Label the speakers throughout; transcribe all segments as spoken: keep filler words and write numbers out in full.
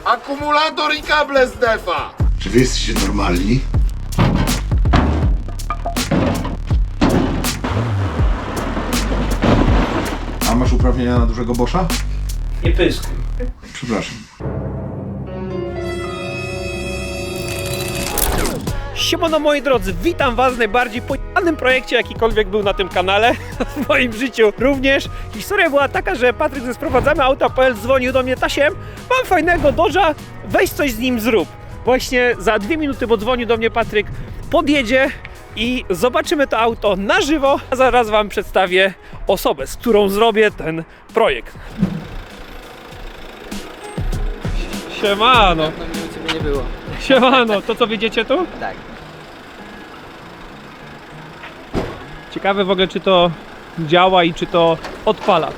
Speaker 1: Akumulator i kable z defa!
Speaker 2: Czy wy jesteście normalni? A masz uprawnienia na dużego Boscha?
Speaker 3: Nie pyskuj.
Speaker 2: Przepraszam.
Speaker 3: Siemano moi drodzy, witam was w najbardziej pojebanym projekcie jakikolwiek był na tym kanale, w moim życiu również. Historia była taka, że Patryk ze Sprowadzamy Auta kropka p l dzwonił do mnie: Tasiem, mam fajnego Dodge'a, weź coś z nim zrób. Właśnie za dwie minuty, bo dzwonił do mnie Patryk, podjedzie i zobaczymy to auto na żywo, a zaraz wam przedstawię osobę, z którą zrobię ten projekt. Siemano.
Speaker 4: No mnie u ciebie nie było.
Speaker 3: Siemano, to co, wiedziecie tu?
Speaker 4: Tak.
Speaker 3: Ciekawe w ogóle, czy to działa i czy to odpala.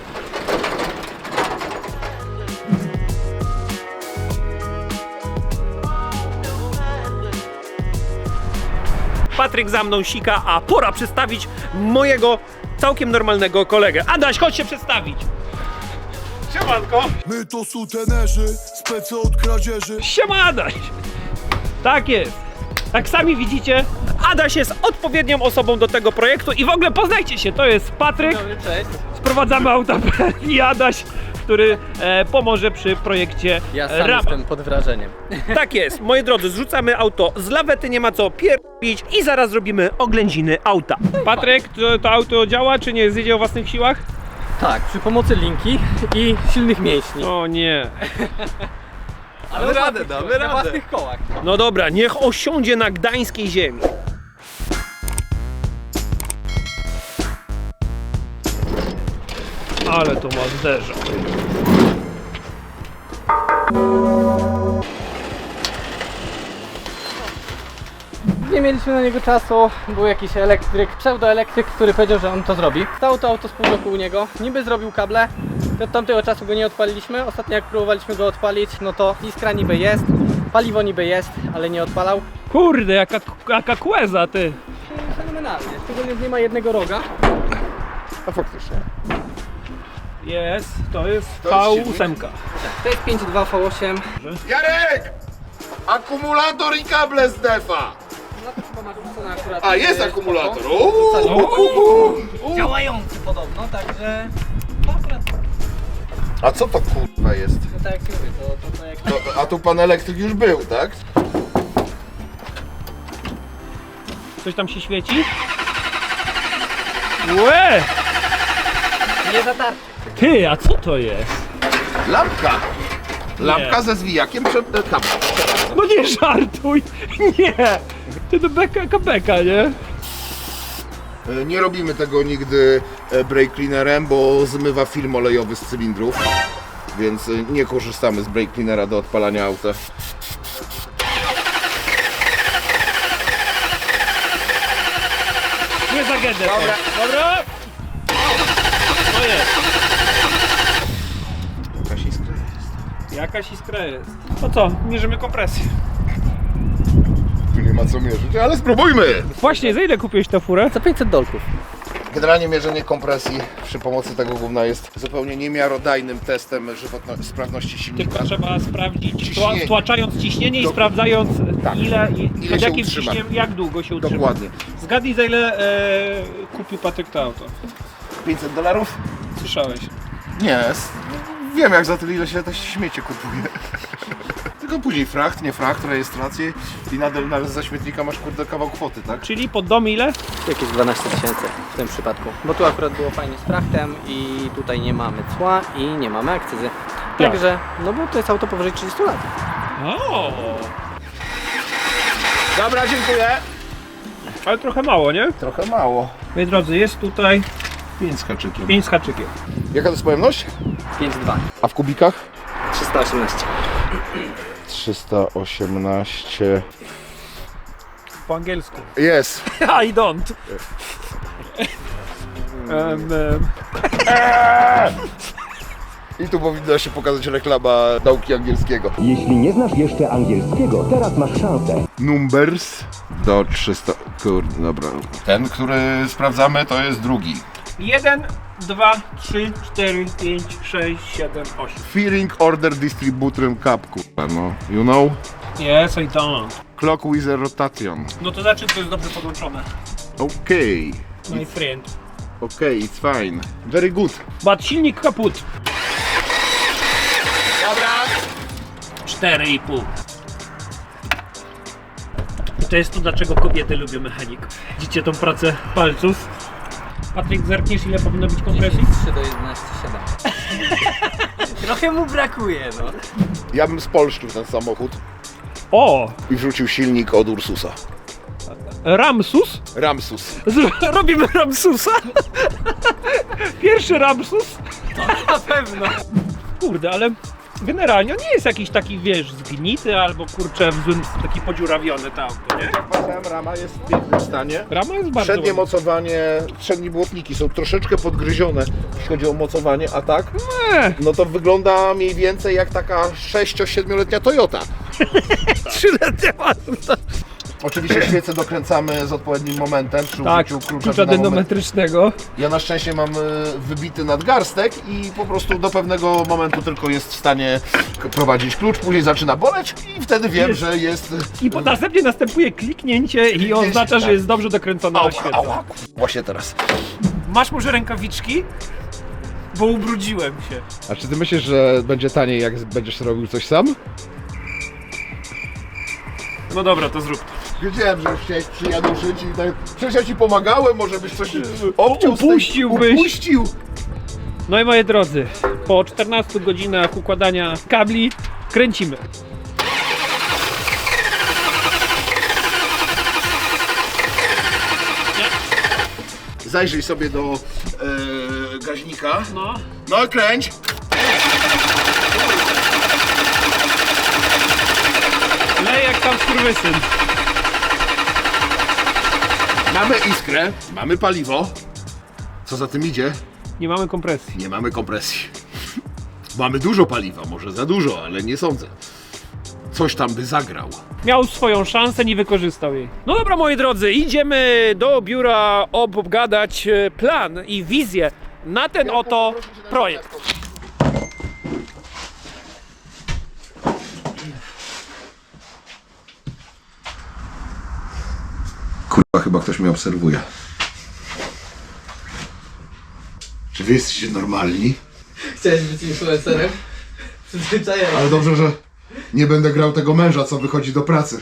Speaker 3: Patryk za mną sika, a pora przedstawić mojego całkiem normalnego kolegę. Adaś, chodź się przedstawić. Siemanko.
Speaker 5: My to sutenerzy, specy od kradzieży.
Speaker 3: Siema Adaś. Tak jest. Jak sami widzicie, Adaś jest odpowiednią osobą do tego projektu i w ogóle poznajcie się, to jest Patryk.
Speaker 4: Dobry, cześć.
Speaker 3: Sprowadzamy Auta kropka p l i Adaś, który e, pomoże przy projekcie
Speaker 4: Ja sam
Speaker 3: Rama.
Speaker 4: jestem pod wrażeniem.
Speaker 3: Tak jest, moi drodzy, zrzucamy auto z lawety, nie ma co pierdolić i zaraz zrobimy oględziny auta. Patryk, to, to auto działa, czy nie? Zjedzie o własnych siłach?
Speaker 4: Tak, przy pomocy linki i silnych mięśni.
Speaker 3: O nie.
Speaker 4: Ale damy radę, damy radę. Na własnych kołach.
Speaker 3: No dobra, niech osiądzie na gdańskiej ziemi. Ale to ma zderzak.
Speaker 4: Nie mieliśmy na niego czasu, był jakiś elektryk, pseudoelektryk, który powiedział, że on to zrobi. Stało to auto z pół roku u niego, niby zrobił kable, od tamtego czasu go nie odpaliliśmy. Ostatnio jak próbowaliśmy go odpalić, no to iskra niby jest, paliwo niby jest, ale nie odpalał.
Speaker 3: Kurde, jaka, jaka kłeza, ty.
Speaker 4: Fenomenalnie, szczególnie, że nie ma jednego roga.
Speaker 1: A faktycznie.
Speaker 3: Jest, to jest
Speaker 1: To
Speaker 3: V
Speaker 1: jest
Speaker 3: osiem.
Speaker 4: To jest pięć dwa V osiem.
Speaker 1: Jarek! Akumulator i kable z defa!
Speaker 4: No to chyba masz wrzucone akurat.
Speaker 1: A, jest
Speaker 4: e,
Speaker 1: akumulator!
Speaker 4: spoko.
Speaker 1: Uuu.
Speaker 4: Działający podobno, także no akurat,
Speaker 1: A co to kurwa jest?
Speaker 4: no tak jak ci mówię, to, to, to jak...
Speaker 1: To, a tu pan elektryk już był, tak?
Speaker 3: Coś tam się świeci? Łe!
Speaker 4: Nie zatarty.
Speaker 3: Ty, a co to jest?
Speaker 1: Lampka! Lampka ze zwijakiem przed e, tam.
Speaker 3: No nie żartuj! Nie! Ty to beka, jaka beka, nie?
Speaker 1: E, Nie robimy tego nigdy e, brake cleanerem, bo zmywa film olejowy z cylindrów. Więc e, nie korzystamy z brake cleanera do odpalania auta.
Speaker 3: Nie za gedę. Dobra. Dobra. No jest.
Speaker 1: Jakaś iskra jest.
Speaker 3: Jakaś iskra jest. No co, mierzymy kompresję.
Speaker 1: Tu nie ma co mierzyć, ale spróbujmy!
Speaker 3: Właśnie, za ile kupiłeś tę furę?
Speaker 4: Za pięćset dolków.
Speaker 1: Generalnie mierzenie kompresji przy pomocy tego gówna jest zupełnie niemiarodajnym testem żywotno- sprawności silnika.
Speaker 3: Tylko trzeba sprawdzić,
Speaker 1: Ciśnienie.
Speaker 3: wtłaczając ciśnienie i
Speaker 1: Do-
Speaker 3: sprawdzając
Speaker 1: Tak.
Speaker 3: ile, i,
Speaker 1: Ile
Speaker 3: pod
Speaker 1: się
Speaker 3: jakim
Speaker 1: utrzyma.
Speaker 3: ciśnieniem, jak długo się utrzyma.
Speaker 1: Dokładnie.
Speaker 3: Zgadnij, za ile e, kupił Patryk to auto.
Speaker 1: pięćset dolarów?
Speaker 3: Słyszałeś?
Speaker 1: Nie, s- wiem jak za tyle ile się to śmiecie kupuje. Tylko później fracht, nie fracht, rejestrację i nadal, nadal za śmietnika masz kurde kawał kwoty, tak?
Speaker 3: Czyli pod dom ile?
Speaker 4: Jakieś dwanaście tysięcy w tym przypadku. Bo tu akurat było fajnie z frachtem i tutaj nie mamy cła i nie mamy akcyzy. Także, no bo to jest auto powyżej trzydziestu lat.
Speaker 3: O,
Speaker 1: Dobra, dziękuję.
Speaker 3: ale trochę mało, nie?
Speaker 1: Trochę mało.
Speaker 3: Moi drodzy, jest tutaj
Speaker 1: pięć z haczykiem.
Speaker 3: pięć z haczykiem.
Speaker 1: Jaka to jest pojemność?
Speaker 4: pięć dwa.
Speaker 1: A w kubikach?
Speaker 4: trzysta osiemnaście.
Speaker 1: trzysta osiemnaście.
Speaker 3: Po angielsku.
Speaker 1: Jest.
Speaker 3: I don't. um, um.
Speaker 1: I tu powinna się pokazać reklama nauki angielskiego.
Speaker 6: Jeśli nie znasz jeszcze angielskiego, teraz masz szansę.
Speaker 1: Numbers do trzysta. Kurde, dobra. Ten, który sprawdzamy, to jest drugi.
Speaker 3: Jeden dwa, trzy, cztery, pięć, sześć, siedem, osiem.
Speaker 1: Fearing order distributorem cup, kurwa, no. You know?
Speaker 3: Yes, I don't.
Speaker 1: Clock with a rotation.
Speaker 3: No to znaczy, to jest dobrze podłączone.
Speaker 1: Okay.
Speaker 3: My friend.
Speaker 1: Okay, it's fine. Very good.
Speaker 3: But silnik kaput. Dobra. cztery i pół. To jest to, dlaczego kobiety lubią mechaników. Widzicie tą pracę palców? Patryk, zerkniesz, ile powinno być kompresji?
Speaker 4: trzy do jedenastu, siedem. Trochę mu brakuje, no.
Speaker 1: Ja bym spolszczył ten samochód
Speaker 3: O!
Speaker 1: i wrzucił silnik od Ursusa.
Speaker 3: Ramsus?
Speaker 1: Ramsus.
Speaker 3: Z- robimy Ramsusa? Pierwszy Ramsus?
Speaker 4: Na pewno.
Speaker 3: Kurde, ale generalnie on nie jest jakiś taki, wiesz, zgnity albo kurczę w złym, taki podziurawiony to auto, nie?
Speaker 1: Powiedziałem, rama jest w pięknym stanie.
Speaker 3: Rama jest bardzo
Speaker 1: Przednie
Speaker 3: ładna.
Speaker 1: mocowanie, przednie błotniki są troszeczkę podgryzione, jeśli chodzi o mocowanie, a tak?
Speaker 3: Nie,
Speaker 1: No to wygląda mniej więcej jak taka sześcio-siedmioletnia Toyota.
Speaker 3: trzyletnia ładna.
Speaker 1: Oczywiście świece dokręcamy z odpowiednim momentem przy
Speaker 3: Tak,
Speaker 1: użyciu klucza,
Speaker 3: klucza dynamometrycznego.
Speaker 1: Ja na szczęście mam y, wybity nadgarstek i po prostu do pewnego momentu tylko jest w stanie k- prowadzić klucz, później zaczyna boleć i wtedy wiem,
Speaker 3: Jest.
Speaker 1: że jest...
Speaker 3: I po następnie następuje kliknięcie i oznacza, że jest dobrze dokręcona na
Speaker 1: Ała,
Speaker 3: świecę.
Speaker 1: ała, właśnie teraz.
Speaker 3: Masz może rękawiczki? Bo ubrudziłem się.
Speaker 7: A czy ty myślisz, że będzie taniej, jak będziesz robił coś sam?
Speaker 3: No dobra, to zrób to.
Speaker 1: Wiedziałem, że już chciałeś przyjaduszyć i tak... Przecież ja ci pomagałem, może byś coś obciął z tej-
Speaker 3: Upuściłbyś.
Speaker 1: Upuścił!
Speaker 3: No i moi drodzy, po czternastu godzinach układania kabli kręcimy.
Speaker 1: Zajrzyj sobie do e, gaźnika.
Speaker 3: No.
Speaker 1: No kręć!
Speaker 3: Lej jak tam skurwysyn.
Speaker 1: Mamy iskrę, mamy paliwo. Co za tym idzie?
Speaker 3: Nie mamy kompresji.
Speaker 1: Nie mamy kompresji. Mamy dużo paliwa, może za dużo, ale nie sądzę. Coś tam by zagrał.
Speaker 3: Miał swoją szansę, nie wykorzystał jej. No dobra, moi drodzy, idziemy do biura obgadać e, plan i wizję na ten oto projekt.
Speaker 2: Kurwa, chyba ktoś mnie obserwuje. Czy wy jesteście normalni?
Speaker 4: Chciałeś być influencerem? Przyzwyczajenie.
Speaker 2: Ale dobrze, że nie będę grał tego męża, co wychodzi do pracy.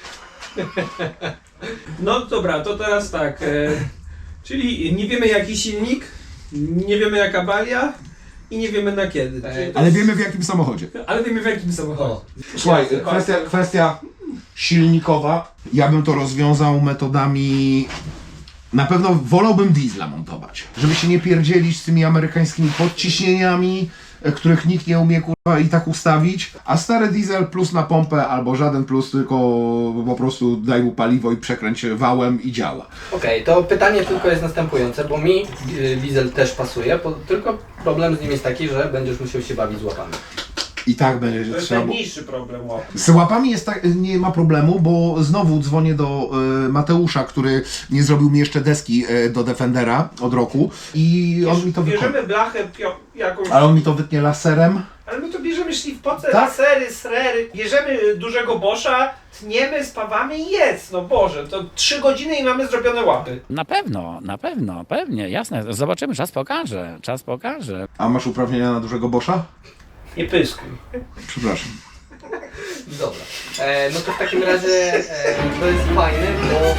Speaker 8: No dobra, to teraz tak. E, czyli nie wiemy jaki silnik, nie wiemy jaka balia i nie wiemy na kiedy. Czyli to
Speaker 2: Ale
Speaker 8: jest-
Speaker 2: wiemy w jakim samochodzie.
Speaker 8: ale wiemy w jakim samochodzie.
Speaker 2: Słuchaj, kwestia, kwestia silnikowa. Ja bym to rozwiązał metodami... Na pewno wolałbym diesla montować. Żeby się nie pierdzielić z tymi amerykańskimi podciśnieniami, e, których nikt nie umie kurwa i tak ustawić. A stary diesel plus na pompę albo żaden plus, tylko po prostu daj mu paliwo i przekręć wałem i działa.
Speaker 4: Okej, to pytanie tylko jest następujące, bo mi y, diesel też pasuje, po, tylko problem z nim jest taki, że będziesz musiał się bawić z łapami.
Speaker 2: I tak będzie
Speaker 8: To jest
Speaker 2: trzeba...
Speaker 8: najmniejszy problem łapy.
Speaker 2: Z łapami jest tak, nie ma problemu, bo znowu dzwonię do y, Mateusza, który nie zrobił mi jeszcze deski y, do Defendera od roku i on mi to wykona.
Speaker 8: Bierzemy blachę pio- jakąś,
Speaker 2: Ale on mi to wytnie laserem.
Speaker 8: ale my to bierzemy szlifpoce,
Speaker 2: Tak?
Speaker 8: lasery, srery, bierzemy dużego Boscha, tniemy, spawamy i jest. No Boże, to trzy godziny i mamy zrobione łapy.
Speaker 9: Na pewno, na pewno, pewnie, jasne. Zobaczymy, czas pokaże, czas pokaże.
Speaker 2: A masz uprawnienia na dużego Boscha?
Speaker 8: Nie pyskuj.
Speaker 2: Przepraszam.
Speaker 4: Dobra. E, no to w takim razie e, to jest fajne, bo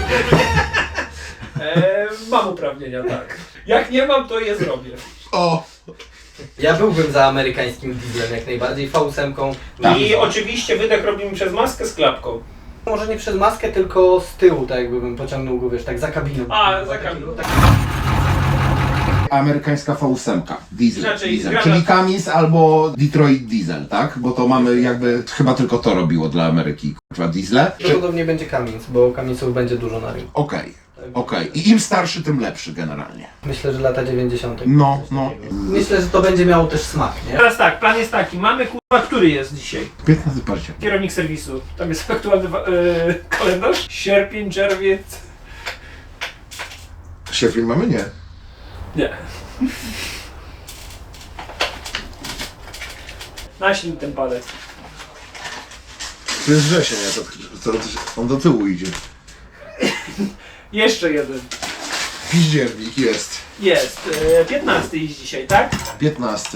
Speaker 8: E, mam uprawnienia, tak. Jak nie mam, to je zrobię.
Speaker 2: O!
Speaker 4: ja byłbym za amerykańskim dieslem jak najbardziej, V osiem.
Speaker 8: I oczywiście wydech robimy przez maskę z klapką.
Speaker 4: Może nie przez maskę, tylko z tyłu, tak jakbym pociągnął go, wiesz, tak za kabiną.
Speaker 8: A, za kabiną.
Speaker 4: Tak.
Speaker 2: Amerykańska V osiem, diesel,
Speaker 8: Znaczy,
Speaker 2: diesel.
Speaker 8: zgadza-
Speaker 2: Czyli Cummins albo Detroit Diesel, tak? Bo to mamy jakby, chyba tylko to robiło dla Ameryki, kurwa, diesle. Czy...
Speaker 4: Prawdopodobnie będzie Cummins, bo Cumminsów będzie dużo na rynku.
Speaker 2: Okej, okej. I im starszy, tym lepszy generalnie.
Speaker 4: Myślę, że lata dziewięćdziesiąte.
Speaker 2: No, no.
Speaker 4: Myślę, że to będzie miało też smak, nie?
Speaker 8: Teraz tak, plan jest taki, mamy kurwa, który jest dzisiaj?
Speaker 2: piętnastego października.
Speaker 8: Kierownik serwisu. Tam jest aktualny wa- e, kalendarz. Sierpień, czerwiec.
Speaker 2: Sierpień mamy? Nie.
Speaker 8: Nie.
Speaker 3: Naślij ten palec.
Speaker 2: To jest wrzesień, to, to, to, on do tyłu idzie.
Speaker 3: Jeszcze jeden.
Speaker 2: Piździernik jest.
Speaker 3: Jest. E, piętnasty jest dzisiaj, tak?
Speaker 2: piętnasty.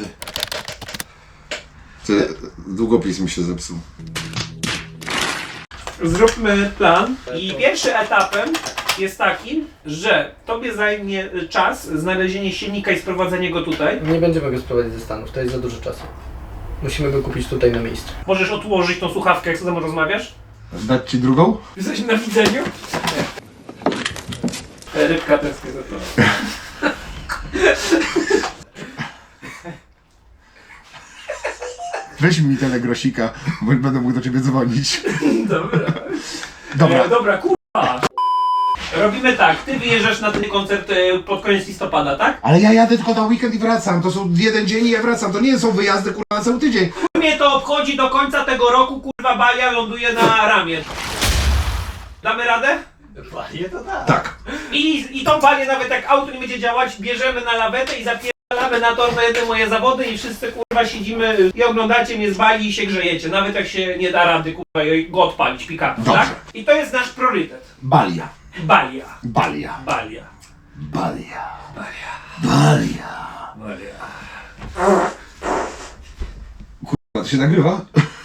Speaker 2: Ty, długopis mi się zepsuł.
Speaker 3: Zróbmy plan. I pierwszym etapem jest taki, że tobie zajmie czas znalezienie silnika i sprowadzenie go tutaj.
Speaker 4: Nie będziemy go sprowadzić ze Stanów, to jest za dużo czasu. Musimy go kupić tutaj na miejscu.
Speaker 3: Możesz odłożyć tą słuchawkę, jak ze mną rozmawiasz?
Speaker 2: Dać ci drugą?
Speaker 3: Jesteś na widzeniu? Nie. Rybka tęsknię za to.
Speaker 2: Weź mi telegrosika, bo będę mógł do ciebie dzwonić.
Speaker 3: Dobra.
Speaker 2: Dobra.
Speaker 3: E, dobra, kurwa. Robimy tak, ty wyjeżdżasz na ten koncert e, pod koniec listopada, tak?
Speaker 2: Ale ja jadę tylko na weekend i wracam. To są jeden dzień i ja wracam. To nie są wyjazdy kurwa na cały tydzień.
Speaker 3: Mnie to obchodzi do końca tego roku, kurwa, balia ląduje na ramię. Damy radę?
Speaker 4: Balię to tak.
Speaker 2: Tak.
Speaker 3: I, I tą balię, nawet jak auto nie będzie działać, bierzemy na lawetę i zapierdalamy na tor na jedne moje zawody i wszyscy kurwa siedzimy i oglądacie mnie z bali i się grzejecie. Nawet jak się nie da rady kurwa go odpalić pick-upem,
Speaker 2: Dobrze.
Speaker 3: tak? I to jest nasz priorytet.
Speaker 2: Balia.
Speaker 3: Balia.
Speaker 2: Balia.
Speaker 3: Balia.
Speaker 2: Balia. Balia.
Speaker 3: Balia.
Speaker 2: To się nagrywa?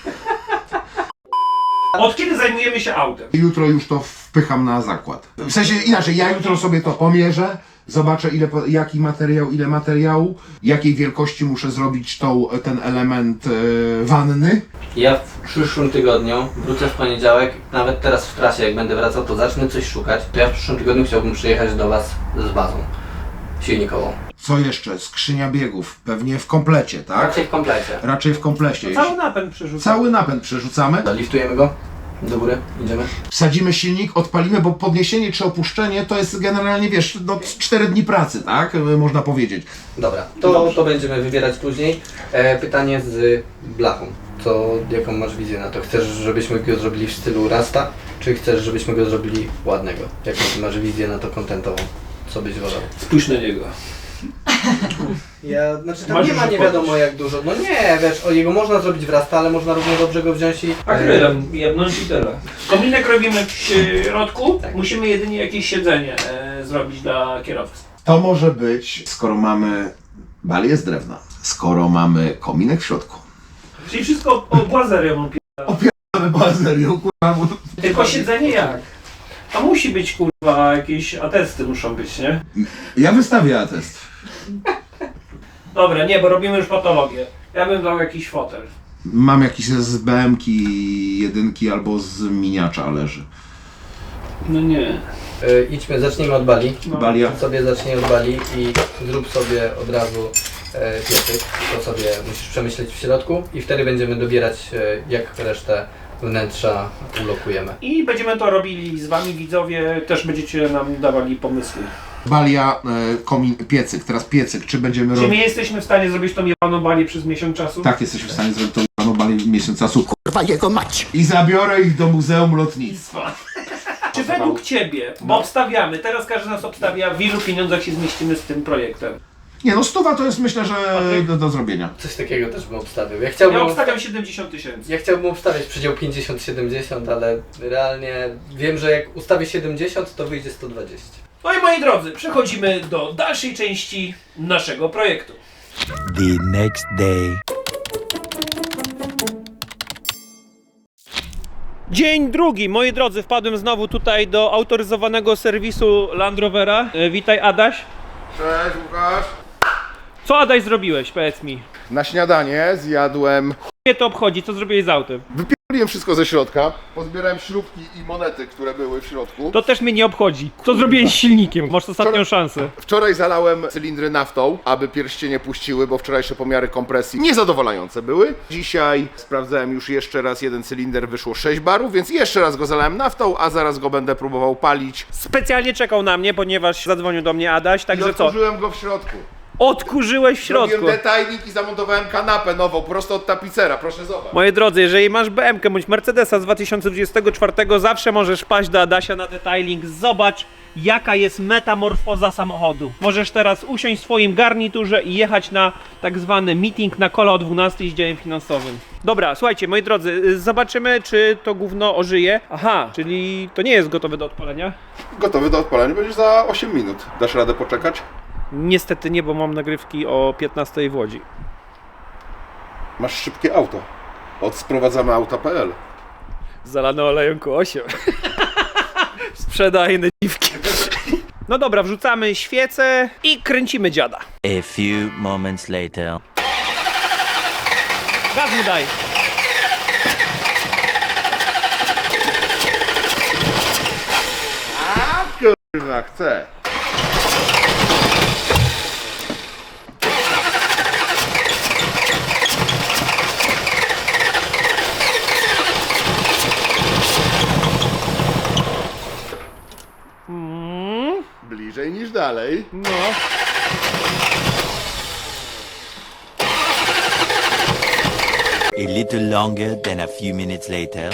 Speaker 3: Od kiedy zajmujemy się autem?
Speaker 2: Jutro już to wpycham na zakład. W sensie inaczej, ja jutro sobie to pomierzę, zobaczę ile, po- jaki materiał, ile materiału, jakiej wielkości muszę zrobić tą, ten element e, wanny.
Speaker 4: Ja w przyszłym tygodniu wrócę w poniedziałek, nawet teraz w trasie jak będę wracał, to zacznę coś szukać. To ja w przyszłym tygodniu chciałbym przyjechać do Was z bazą silnikową.
Speaker 2: Co jeszcze? Skrzynia biegów. Pewnie w komplecie, tak?
Speaker 4: Raczej w komplecie.
Speaker 2: Raczej w komplecie.
Speaker 3: Cały napęd przerzucamy.
Speaker 2: Cały napęd przerzucamy.
Speaker 4: Liftujemy go do góry, idziemy.
Speaker 2: Wsadzimy silnik, odpalimy, bo podniesienie czy opuszczenie to jest generalnie, wiesz, no cztery dni pracy, tak? Można powiedzieć.
Speaker 4: Dobra, to, to będziemy wybierać później. E, pytanie z blachą. Co, jaką masz wizję na to? Chcesz, żebyśmy go zrobili w stylu Rasta, czy chcesz, żebyśmy go zrobili ładnego? Jaką ty masz wizję na to kontentową? Co byś wolał?
Speaker 3: Spójrz na niego.
Speaker 4: Ja, znaczy tam
Speaker 3: Masz
Speaker 4: nie ma
Speaker 3: już
Speaker 4: nie
Speaker 3: podnieść.
Speaker 4: wiadomo jak dużo. No nie, wiesz, o jego można zrobić w Rasta, ale można równie dobrze go wziąć i...
Speaker 3: Akrylem jebnąć i tyle. Kominek robimy w środku,
Speaker 4: Tak.
Speaker 3: musimy jedynie jakieś siedzenie e, zrobić dla kierowcy.
Speaker 2: To może być, skoro mamy balię z drewna, skoro mamy kominek w środku.
Speaker 3: Czyli wszystko o błazerią
Speaker 2: Mamy bazerią, kurwa, bo...
Speaker 3: Tylko siedzenie jak? A musi być kurwa, jakieś atesty muszą być, nie?
Speaker 2: Ja wystawię atest.
Speaker 3: Dobra, nie, bo robimy już patologię. Ja bym dał jakiś fotel.
Speaker 2: Mam jakiś z B M ki jedynki albo z miniacza leży.
Speaker 3: No nie.
Speaker 4: E, idźmy, zacznijmy od bali.
Speaker 3: No.
Speaker 2: Balia.
Speaker 4: Ty sobie zacznij od bali i zrób sobie od razu e, piecyk. To sobie musisz przemyśleć w środku i wtedy będziemy dobierać e, jak resztę wnętrza ulokujemy.
Speaker 3: I będziemy to robili z wami widzowie, też będziecie nam dawali pomysły.
Speaker 2: Balia, e, komin, piecyk. Teraz piecyk, czy będziemy
Speaker 3: Czy my
Speaker 2: robić...
Speaker 3: jesteśmy w stanie zrobić tą jebaną balię przez miesiąc czasu?
Speaker 2: Tak, jesteśmy w stanie zrobić tą panu balię w miesiąc czasu. Kurwa jego mać! I zabiorę ich do Muzeum Lotnictwa.
Speaker 3: Czy według ciebie, bo obstawiamy, teraz każdy nas obstawia, w ilu pieniądzach się zmieścimy z tym projektem?
Speaker 2: Nie no, stuwa to jest myślę, że
Speaker 3: Patryk?
Speaker 2: do, do zrobienia.
Speaker 4: Coś takiego też bym obstawił. Ja chciałbym,
Speaker 3: Ja obstawiam siedemdziesiąt tysięcy.
Speaker 4: ja chciałbym obstawiać przedział pięćdziesiąt siedemdziesiąt, ale realnie wiem, że jak ustawię siedemdziesiąt, to wyjdzie sto dwadzieścia.
Speaker 3: No i moi drodzy, przechodzimy do dalszej części naszego projektu.
Speaker 5: The next day.
Speaker 3: Dzień drugi, moi drodzy, wpadłem znowu tutaj do autoryzowanego serwisu Land Rovera. E, witaj Adaś.
Speaker 1: Cześć Łukasz.
Speaker 3: Co Adaś zrobiłeś, powiedz mi?
Speaker 1: Na śniadanie zjadłem...
Speaker 3: Mnie to obchodzi, co zrobiłeś z autem?
Speaker 1: Wypierdoliłem wszystko ze środka. Pozbierałem śrubki i monety, które były w środku.
Speaker 3: To też mnie nie obchodzi. Co zrobiłeś z silnikiem? Masz ostatnią
Speaker 1: Wczoraj-
Speaker 3: szansę.
Speaker 1: Wczoraj zalałem cylindry naftą, aby pierścienie puściły, bo wczorajsze pomiary kompresji niezadowalające były. Dzisiaj sprawdzałem już jeszcze raz jeden cylinder, wyszło sześć barów, więc jeszcze raz go zalałem naftą, a zaraz go będę próbował palić.
Speaker 3: Specjalnie czekał na mnie, ponieważ zadzwonił do mnie Adaś,
Speaker 1: I
Speaker 3: także co?
Speaker 1: otworzyłem go w środku.
Speaker 3: Odkurzyłeś w środku.
Speaker 1: Robiłem detailing i zamontowałem kanapę nową, prosto od tapicera, proszę zobacz.
Speaker 3: Moi drodzy, jeżeli masz B M K bądź Mercedesa z dwa tysiące dwudziestego czwartego, zawsze możesz paść do Adasia na detailing. Zobacz, jaka jest metamorfoza samochodu. Możesz teraz usiąść w swoim garniturze i jechać na tak zwany meeting na kola o dwunastej z działem finansowym. Dobra, słuchajcie, moi drodzy, zobaczymy, czy to gówno ożyje. Aha, czyli to nie jest gotowe do odpalenia?
Speaker 1: Gotowy do odpalenia będziesz za osiem minut. Dasz radę poczekać?
Speaker 3: Niestety nie, bo mam nagrywki o piętnastej w Łodzi.
Speaker 1: Masz szybkie auto. Od sprowadzamy auta kropka p l.
Speaker 3: Zalane olejem Q osiem. Sprzedajne dziwki. No dobra, wrzucamy świecę i kręcimy dziada.
Speaker 5: A few moments later.
Speaker 3: Gaz mu daj.
Speaker 1: A kurwa, chcę.
Speaker 3: Mm,
Speaker 1: Bliżej niż dalej.
Speaker 3: no.
Speaker 5: A little longer than a few minutes later.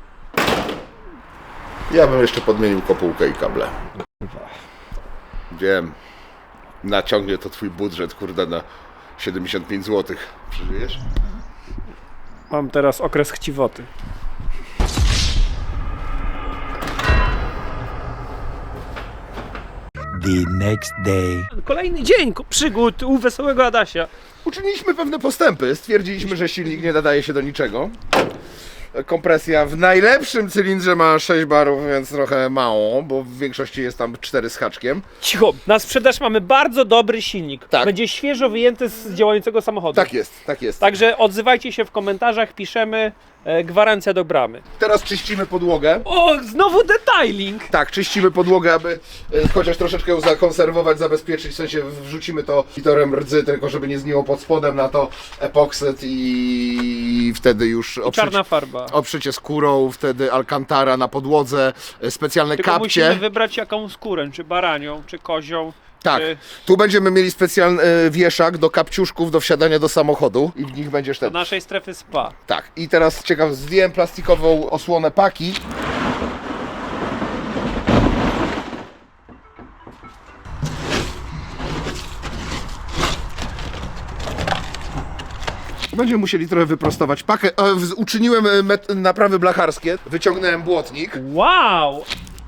Speaker 1: Ja bym jeszcze podmienił kopułkę i kable. Wiem. Naciągnie to twój budżet, kurde, na siedemdziesiąt pięć złotych. Przeżyjesz?
Speaker 3: Mam teraz okres chciwoty.
Speaker 5: The next day.
Speaker 3: Kolejny dzień ko- przygód u wesołego Adasia.
Speaker 1: Uczyniliśmy pewne postępy. Stwierdziliśmy, że silnik nie nadaje się do niczego. Kompresja w najlepszym cylindrze ma sześć barów, więc trochę mało, bo w większości jest tam cztery z haczkiem.
Speaker 3: Cicho, na sprzedaż mamy bardzo dobry silnik.
Speaker 1: Tak.
Speaker 3: Będzie świeżo wyjęty z działającego samochodu.
Speaker 1: Tak jest, tak jest.
Speaker 3: Także odzywajcie się w komentarzach, piszemy e, gwarancja do bramy.
Speaker 1: Teraz czyścimy podłogę.
Speaker 3: O, znowu detailing!
Speaker 1: Tak, czyścimy podłogę, aby e, chociaż troszeczkę ją zakonserwować, zabezpieczyć, w sensie wrzucimy to litorem rdzy, tylko żeby nie zgniło pod spodem, na to epoksyt i wtedy już
Speaker 3: I czarna farba.
Speaker 1: oprzecie skórą, wtedy alcantara na podłodze, e, specjalne
Speaker 3: Tylko
Speaker 1: kapcie.
Speaker 3: musimy wybrać jaką skórę, czy baranią, czy kozią.
Speaker 1: Tak,
Speaker 3: Czy...
Speaker 1: tu będziemy mieli specjalny e, wieszak do kapciuszków do wsiadania do samochodu i w nich będziesz
Speaker 3: Do
Speaker 1: ten.
Speaker 3: naszej strefy spa.
Speaker 1: Tak, i teraz ciekaw, zdjąłem plastikową osłonę paki. Będziemy musieli trochę wyprostować pakę. E, w- Uczyniłem e, met- naprawy blacharskie, wyciągnąłem błotnik.
Speaker 3: Wow!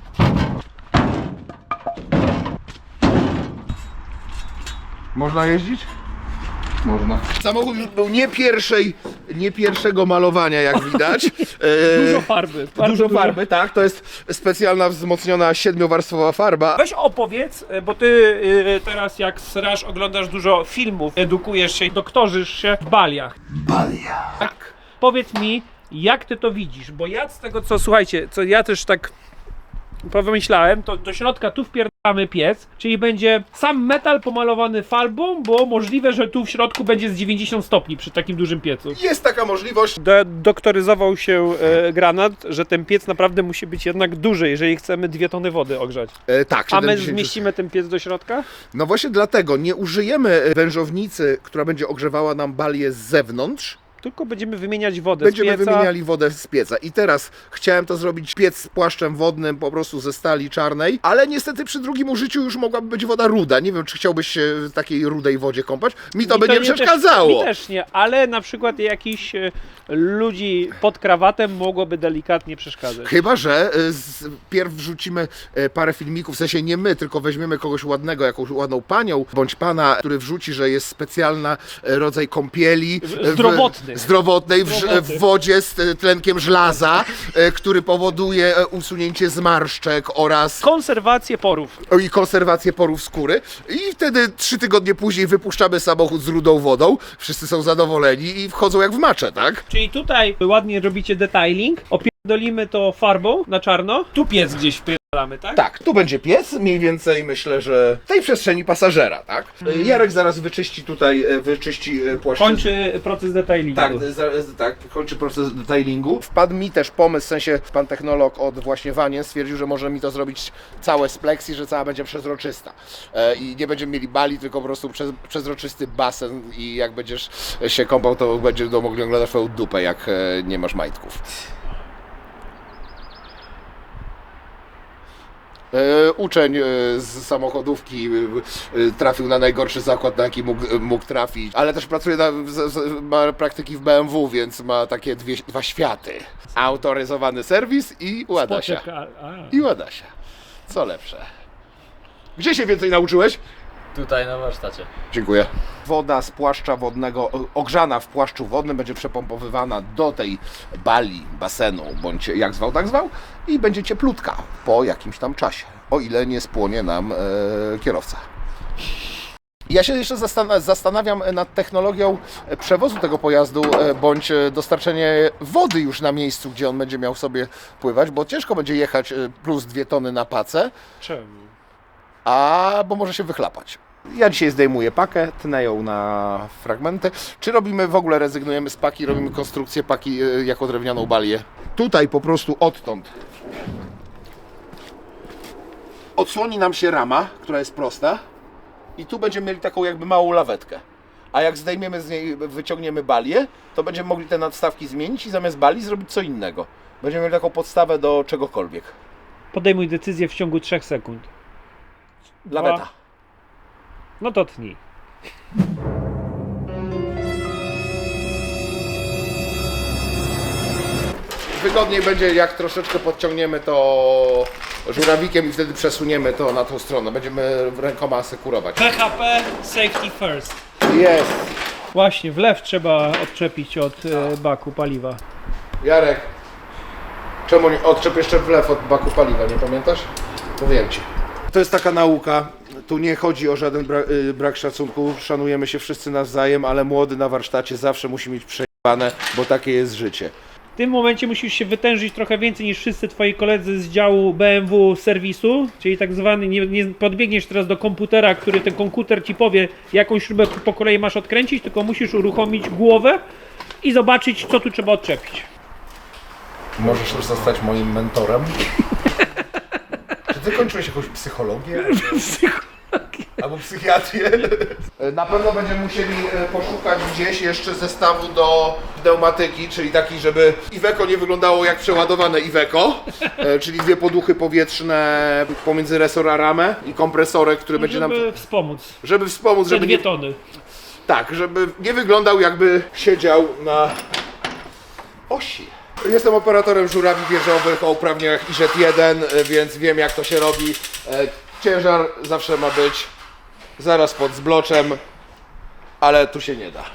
Speaker 1: Można jeździć? Można. Samochód już był nie pierwszej, nie pierwszego malowania, jak widać. E,
Speaker 3: Dużo farby. bardzo
Speaker 1: Dużo farby, tak. To jest specjalna wzmocniona siedmiowarstwowa farba.
Speaker 3: Weź opowiedz, e, bo ty y, teraz jak srasz, oglądasz dużo filmów, edukujesz się, doktorzysz się w baliach.
Speaker 2: Balia.
Speaker 3: Tak. Powiedz mi, jak ty to widzisz, bo ja z tego co, słuchajcie, co ja też tak pomyślałem, to do środka tu wpierdamy piec, czyli będzie sam metal pomalowany farbą, bo możliwe, że tu w środku będzie z dziewięćdziesiąt stopni przy takim dużym piecu.
Speaker 1: Jest taka możliwość.
Speaker 3: Do, doktoryzował się e, granat, że ten piec naprawdę musi być jednak duży, jeżeli chcemy dwie tony wody ogrzać.
Speaker 1: E, tak,
Speaker 3: A my
Speaker 1: siedemdziesiąt
Speaker 3: zmieścimy ten piec do środka?
Speaker 1: No właśnie dlatego nie użyjemy wężownicy, która będzie ogrzewała nam balię z zewnątrz.
Speaker 3: Tylko będziemy wymieniać wodę
Speaker 1: Będziemy
Speaker 3: z pieca.
Speaker 1: wymieniali wodę z pieca. I teraz chciałem to zrobić piec z płaszczem wodnym po prostu ze stali czarnej, ale niestety przy drugim użyciu już mogłaby być woda ruda. Nie wiem, czy chciałbyś się w takiej rudej wodzie kąpać. Mi to
Speaker 3: Mi
Speaker 1: by nie
Speaker 3: też-
Speaker 1: przeszkadzało.
Speaker 3: Mi też nie, ale na przykład jakichś e, ludzi pod krawatem mogłoby delikatnie przeszkadzać.
Speaker 1: Chyba że y, z, pierw wrzucimy y, parę filmików, w sensie nie my, tylko weźmiemy kogoś ładnego, jakąś ładną panią, bądź pana, który wrzuci, że jest specjalna y, rodzaj kąpieli. y,
Speaker 3: Zdrowotny.
Speaker 1: W, zdrowotnej w,
Speaker 3: Zdrowotny.
Speaker 1: w wodzie z y, tlenkiem żelaza, y, który powoduje y, usunięcie zmarszczek oraz
Speaker 3: Konserwację porów.
Speaker 1: o, i konserwację porów skóry. I wtedy trzy tygodnie później wypuszczamy samochód z rudą wodą. Wszyscy są zadowoleni i wchodzą jak w macze, tak?
Speaker 3: Czyli tutaj ładnie robicie detailing, opierdolimy to farbą na czarno, tu piec gdzieś wpierdolimy Mamy, tak?
Speaker 1: Tak, tu będzie piec, mniej więcej myślę, że w tej przestrzeni pasażera, tak? Jarek zaraz wyczyści tutaj, e, wyczyści e, płaszczyznę.
Speaker 3: Kończy proces detailingu.
Speaker 1: Tak, za- z- tak, kończy proces detailingu. Wpadł mi też pomysł, w sensie pan technolog od właśnie Wanien stwierdził, że może mi to zrobić całe z pleksji, że cała będzie przezroczysta. E, I nie będziemy mieli bali, tylko po prostu przez, przezroczysty basen i jak będziesz się kąpał, to będziesz mogli oglądać twoją dupę, jak e, nie masz majtków. E, Uczeń e, z samochodówki e, e, trafił na najgorszy zakład, na jaki mógł, mógł trafić, ale też pracuje, na, z, z, ma praktyki w B M W, więc ma takie dwie, dwa światy. Autoryzowany serwis i Ładasia.
Speaker 3: Spoczek, a, a.
Speaker 1: I Ładasia. Co lepsze. Gdzie się więcej nauczyłeś?
Speaker 4: Tutaj na warsztacie.
Speaker 1: Dziękuję. Woda z płaszcza wodnego, ogrzana w płaszczu wodnym, będzie przepompowywana do tej bali, basenu, bądź jak zwał, tak zwał, i będzie cieplutka po jakimś tam czasie, o ile nie spłonie nam e, kierowca. Ja się jeszcze zastan- zastanawiam nad technologią przewozu tego pojazdu, e, bądź dostarczenie wody już na miejscu, gdzie on będzie miał sobie pływać, bo ciężko będzie jechać e, plus dwie tony na pacę,
Speaker 3: Czemu?
Speaker 1: a bo może się wychlapać. Ja dzisiaj zdejmuję pakę, tnę ją na fragmenty. Czy robimy w ogóle, rezygnujemy z paki, robimy konstrukcję paki y, jako drewnianą balię? Tutaj po prostu odtąd odsłoni nam się rama, która jest prosta, i tu będziemy mieli taką jakby małą lawetkę. A jak zdejmiemy z niej, wyciągniemy balię, to będziemy mogli te nadstawki zmienić i zamiast bali zrobić co innego. Będziemy mieli taką podstawę do czegokolwiek.
Speaker 3: Podejmuj decyzję w ciągu trzech sekund.
Speaker 1: Laweta.
Speaker 3: No to tnij.
Speaker 1: Wygodniej będzie, jak troszeczkę podciągniemy to żurawikiem i wtedy przesuniemy to na tą stronę. Będziemy rękoma asekurować.
Speaker 3: P H P Safety First.
Speaker 1: Jest!
Speaker 3: Właśnie, wlew trzeba odczepić od e, baku paliwa.
Speaker 1: Jarek, czemu nie odczep jeszcze wlew od baku paliwa, nie pamiętasz? Powiem Ci. To jest taka nauka. Tu nie chodzi o żaden bra y, brak szacunku. Szanujemy się wszyscy nawzajem, ale młody na warsztacie zawsze musi mieć przejebane, bo takie jest życie.
Speaker 3: W tym momencie musisz się wytężyć trochę więcej niż wszyscy twoi koledzy z działu B M W serwisu, czyli tak zwany, nie, nie podbiegniesz teraz do komputera, który ten komputer ci powie, jaką śrubę po kolei masz odkręcić, tylko musisz uruchomić głowę i zobaczyć, co tu trzeba odczepić.
Speaker 1: Możesz już zostać moim mentorem. Czy ty kończyłeś jakąś psychologię? Albo psychiatrię? Na pewno będziemy musieli poszukać gdzieś jeszcze zestawu do pneumatyki, czyli taki, żeby Iveco nie wyglądało jak przeładowane Iveco, czyli dwie poduchy powietrzne pomiędzy resor a ramę i kompresorek, który będzie nam...
Speaker 3: Żeby wspomóc.
Speaker 1: Żeby wspomóc,
Speaker 3: Te
Speaker 1: żeby
Speaker 3: dwie
Speaker 1: nie...
Speaker 3: tony.
Speaker 1: Tak, żeby nie wyglądał jakby siedział na osi. Jestem operatorem żurawi wieżowych o uprawnieniach I Z jeden, więc wiem jak to się robi. Ciężar zawsze ma być zaraz pod zbloczem, ale tu się nie da.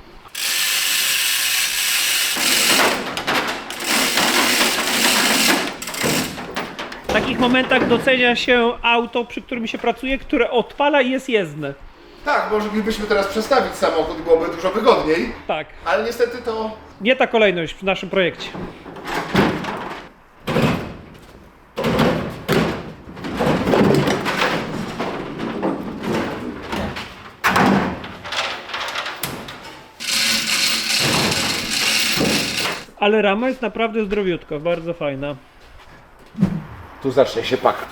Speaker 3: W takich momentach docenia się auto, przy którym się pracuje, które odpala i jest jezdne.
Speaker 1: Tak, moglibyśmy teraz przestawić samochód i byłoby dużo wygodniej,
Speaker 3: Tak.
Speaker 1: ale niestety to...
Speaker 3: Nie ta kolejność w naszym projekcie. Ale rama jest naprawdę zdrowiutka, bardzo fajna.
Speaker 1: Tu zacznie się paka.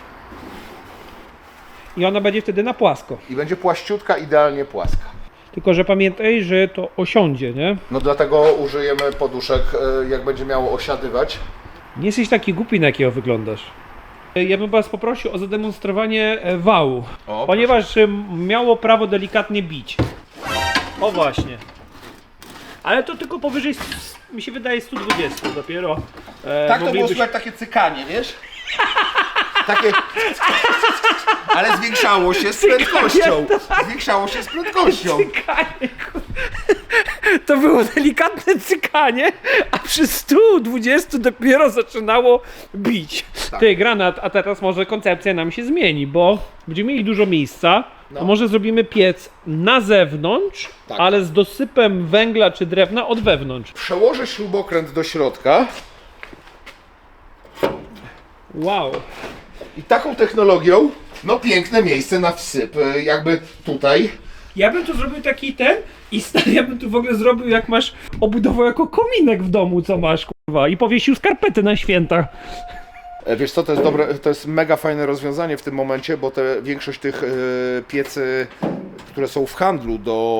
Speaker 3: I ona będzie wtedy na płasko.
Speaker 1: I będzie płaściutka, idealnie płaska.
Speaker 3: Tylko że pamiętaj, że to osiądzie, nie?
Speaker 1: No dlatego użyjemy poduszek, jak będzie miało osiadywać.
Speaker 3: Nie jesteś taki głupi, na jakiego wyglądasz. Ja bym was poprosił o zademonstrowanie e, wału,
Speaker 1: O,
Speaker 3: ponieważ e, miało prawo delikatnie bić. O właśnie. Ale to tylko powyżej, s- mi się wydaje, sto dwadzieścia dopiero. E,
Speaker 1: Tak, to było
Speaker 3: moglibyś-
Speaker 1: słychać takie cykanie, wiesz? Takie... Ale zwiększało się z prędkością. Zwiększało się z prędkością.
Speaker 3: Cykanie, kur- To było delikatne cykanie, a przy stu dwudziestu dopiero zaczynało bić.
Speaker 1: Tak.
Speaker 3: Ty, Granat, a teraz może koncepcja nam się zmieni, bo będziemy mieli dużo miejsca,
Speaker 1: No.
Speaker 3: to może zrobimy piec na zewnątrz,
Speaker 1: Tak.
Speaker 3: ale z dosypem węgla czy drewna od wewnątrz.
Speaker 1: Przełożę śrubokręt do środka.
Speaker 3: Wow.
Speaker 1: I taką technologią, no piękne miejsce na wsyp, e, jakby tutaj.
Speaker 3: Ja bym tu zrobił taki ten i stary, ja bym tu w ogóle zrobił, jak masz obudował jako kominek w domu, co masz, kurwa, i powiesił skarpety na święta.
Speaker 1: E, Wiesz co, to jest dobre, to jest mega fajne rozwiązanie w tym momencie, bo te, większość tych e, piecy, które są w handlu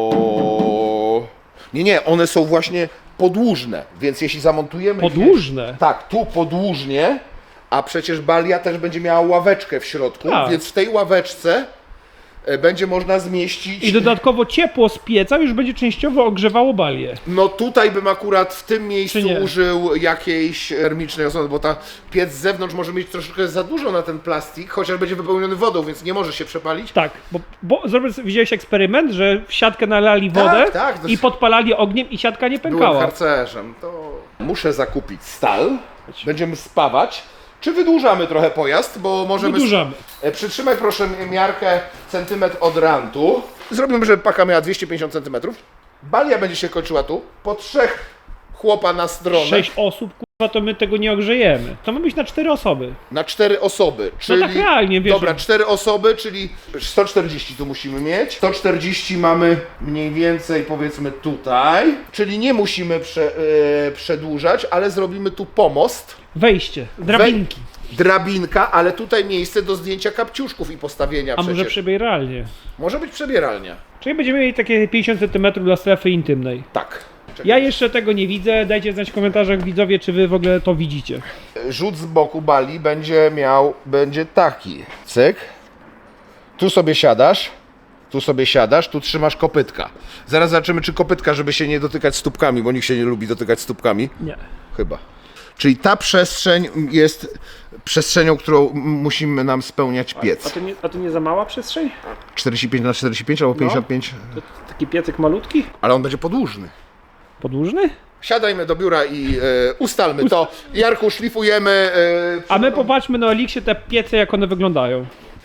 Speaker 1: do... Nie, nie, one są właśnie podłużne, więc jeśli zamontujemy...
Speaker 3: Podłużne?
Speaker 1: Tak, tu podłużnie, a przecież balia też będzie miała ławeczkę w środku,
Speaker 3: Tak.
Speaker 1: więc w tej ławeczce e, będzie można zmieścić...
Speaker 3: I dodatkowo ciepło z pieca już będzie częściowo ogrzewało balię.
Speaker 1: No tutaj bym akurat w tym miejscu
Speaker 3: Czy nie?
Speaker 1: użył jakiejś termicznej osłony, bo ta piec z zewnątrz może mieć troszeczkę za dużo na ten plastik, chociaż będzie wypełniony wodą, więc nie może się przepalić.
Speaker 3: Tak, bo, bo zrobię, widziałeś eksperyment, że w siatkę nalali wodę
Speaker 1: tak, to
Speaker 3: i
Speaker 1: jest-
Speaker 3: podpalali ogniem i siatka nie
Speaker 1: Byłem
Speaker 3: pękała.
Speaker 1: harcerzem, to muszę zakupić stal, będziemy spawać. Czy wydłużamy trochę pojazd, bo możemy...
Speaker 3: Wydłużamy.
Speaker 1: E, Przytrzymaj proszę miarkę centymetr od rantu. Zrobimy, żeby paka miała dwieście pięćdziesiąt centymetrów. Balia będzie się kończyła tu, po trzech chłopa na stronę.
Speaker 3: Sześć osób, kurwa, to my tego nie ogrzejemy. To ma być na cztery osoby.
Speaker 1: Na cztery osoby, czyli...
Speaker 3: tak realnie, wiesz,
Speaker 1: Dobra,
Speaker 3: że-
Speaker 1: cztery osoby, czyli sto czterdzieści tu musimy mieć. sto czterdzieści mamy mniej więcej powiedzmy tutaj, czyli nie musimy prze, e, przedłużać, ale zrobimy tu pomost.
Speaker 3: Wejście, drabinki.
Speaker 1: Wej- drabinka, ale tutaj miejsce do zdjęcia kapciuszków i postawienia
Speaker 3: A
Speaker 1: przecież.
Speaker 3: może przebieralnie.
Speaker 1: Może być przebieralnia.
Speaker 3: Czyli będziemy mieli takie pięćdziesiąt centymetrów dla strefy intymnej.
Speaker 1: Tak. Czekaj.
Speaker 3: Ja jeszcze tego nie widzę, dajcie znać w komentarzach widzowie, czy wy w ogóle to widzicie.
Speaker 1: Rzut z boku bali będzie miał, będzie taki. Cyk. Tu sobie siadasz. Tu sobie siadasz, tu trzymasz kopytka. Zaraz zobaczymy, czy kopytka, żeby się nie dotykać stópkami, bo nikt się nie lubi dotykać stópkami.
Speaker 3: Nie.
Speaker 1: Chyba. Czyli ta przestrzeń jest przestrzenią, którą m- musimy nam spełniać
Speaker 3: A
Speaker 1: piec.
Speaker 3: to nie, a to nie za mała przestrzeń?
Speaker 1: czterdzieści pięć na czterdzieści pięć albo pięćdziesiąt pięć,
Speaker 3: To taki piecyk malutki?
Speaker 1: ale on będzie podłużny.
Speaker 3: Podłużny?
Speaker 1: Siadajmy do biura i e, ustalmy to. Jarku, szlifujemy. E,
Speaker 3: A my popatrzmy na Elixie te piece, jak one wyglądają.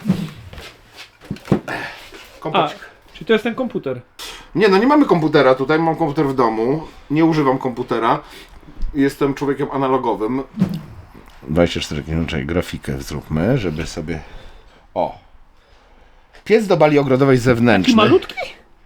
Speaker 3: A,
Speaker 1: kompacik.
Speaker 3: czyli to jest ten komputer.
Speaker 1: Nie, no nie mamy komputera tutaj, mam komputer w domu. Nie używam komputera. Jestem człowiekiem analogowym. dwadzieścia cztery kilometry, grafikę zróbmy, żeby sobie... O! Piec do bali ogrodowej zewnętrznej.
Speaker 3: Taki malutki?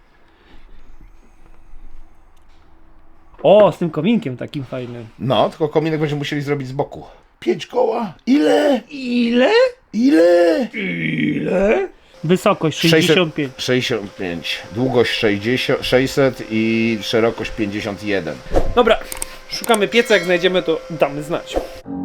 Speaker 3: O, z tym kominkiem takim fajnym.
Speaker 1: No, tylko kominek będziemy musieli zrobić z boku. Pięć koła? Ile?
Speaker 3: Ile?
Speaker 1: Ile?
Speaker 3: Ile? Wysokość sześćdziesiąt pięć.
Speaker 1: sześćdziesiąt pięć. Długość sześćdziesiąt, sześćset i szerokość pięćdziesiąt jeden.
Speaker 3: Dobra, szukamy pieca, jak znajdziemy to damy znać.